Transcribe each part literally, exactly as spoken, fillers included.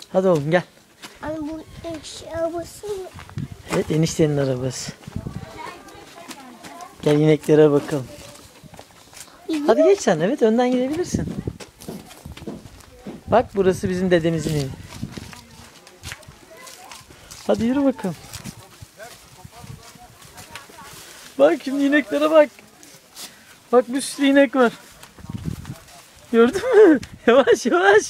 Hadi oğlum gel. Ay bu eşya arabası mı? Evet, eniştenin arabası. Gel ineklere bakalım. Hadi geç sen. Evet, önden gidebilirsin. Bak, burası bizim dedemizin evi. Hadi yürü bakalım. Bak şimdi ineklere bak. Bak, bir sürü inek var. Gördün mü? Yavaş yavaş.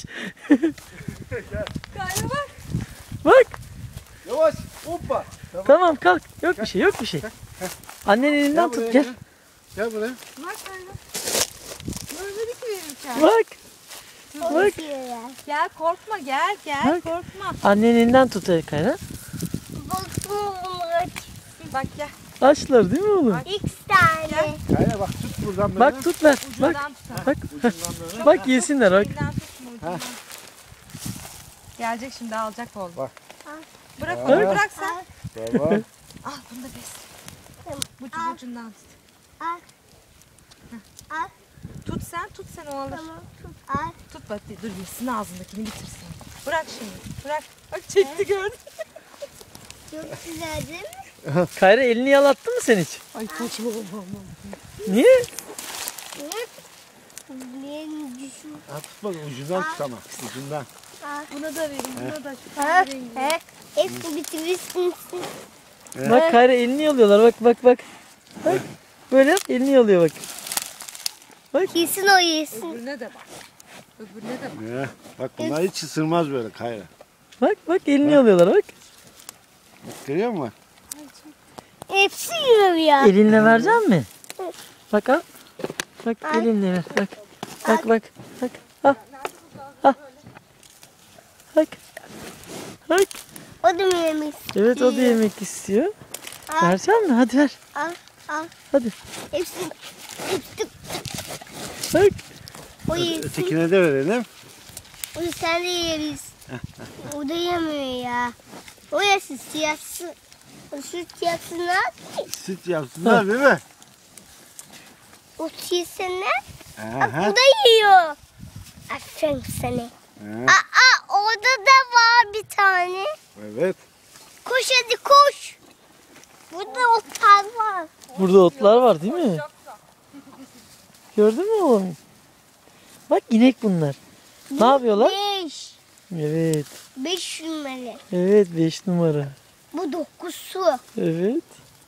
Kayra bak. Bak. Yavaş. Hoppa. Tamam. Tamam, kalk. Yok bir şey, yok bir şey. Annenin elinden tut, gel. Gel buraya. Bak Kayra. Görmedik mi verirken? Bak. Bak. Gel korkma gel gel Bak. korkma. Annenin elinden tut Kayra. Baksana bunlar. Bak gel. Açlar değil mi oğlum? İki tane. Kayra bak tut buradan böyle. Bak tut ver. Bak. Ucundan tut. Bak. Ucundan böyle. Bak yesinler bak. Elinden tutma ucundan. Gelecek şimdi alacak oğlum. Bak. Bırak Aa. onu bırak sen. Tamam. Al bunu da bes. Ucu Al. ucundan tut. Al. Al. Tut sen tut sen o alır. Tamam. Al. Tut bak dur yesin ağzındakini bitirsin. Bırak şimdi bırak. Bak çekti gördün. Çok güzel değil mi? Kayra, elini yalattı mı sen hiç? Ay saçmalama. Niye? Benim düşüm. Ha, tutma ucundan tut ama. Ucundan. Buna da verin buna da. Şu Ha? rengi. He? Hepsi bitirirsin. Bak Kayra, elini yalıyorlar. Bak bak bak. Bak. Böyle yap, elini yalıyor bak. Yesin o yesin. Öbürüne de bak. Öbürüne de bak. Ya, bak bunlar hiç ısırmaz böyle Kayra. Bak bak, elini yalıyorlar bak. Bak görüyor musun? Hepsi yiyor ya. Elinle verecek mi? Bak al. Bak elinle ver. Bak. Bak bak. Bak. Al. Al. Bak. Bak. O da mı yemek istiyor? Evet, o da yemek istiyor. Al. Verecek mi? Hadi ver. Al. Al. Hadi. Hepsi. Hepsi. Bak. O yesin. Ötekine de verelim. O sen de yeriz. O da yemiyor ya. O yesin siyahsı. O süt yapsınlar. Süt yapsınlar değil mi? O yesinler. Bak Aha. bu da yiyor. Aferin sana. Ha, Aa orada da var bir tane. evet. Koş hadi koş. Burada otlar var. Burada otlar var değil mi? Gördün mü oğlum? Bak, inek bunlar. Ne yapıyorlar? Beş. Evet. Beş numara. Evet, beş numara. Bu dokuzu. Evet.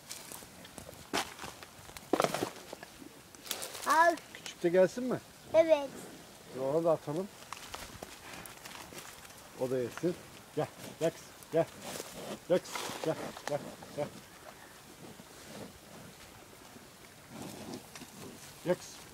Al. Küçük de gelsin mi? Evet. Ona da atalım. O da yesin. Gel. Gel kızım. Gel. Gel kızım. Gel. Gel. Gel. Gel kızım.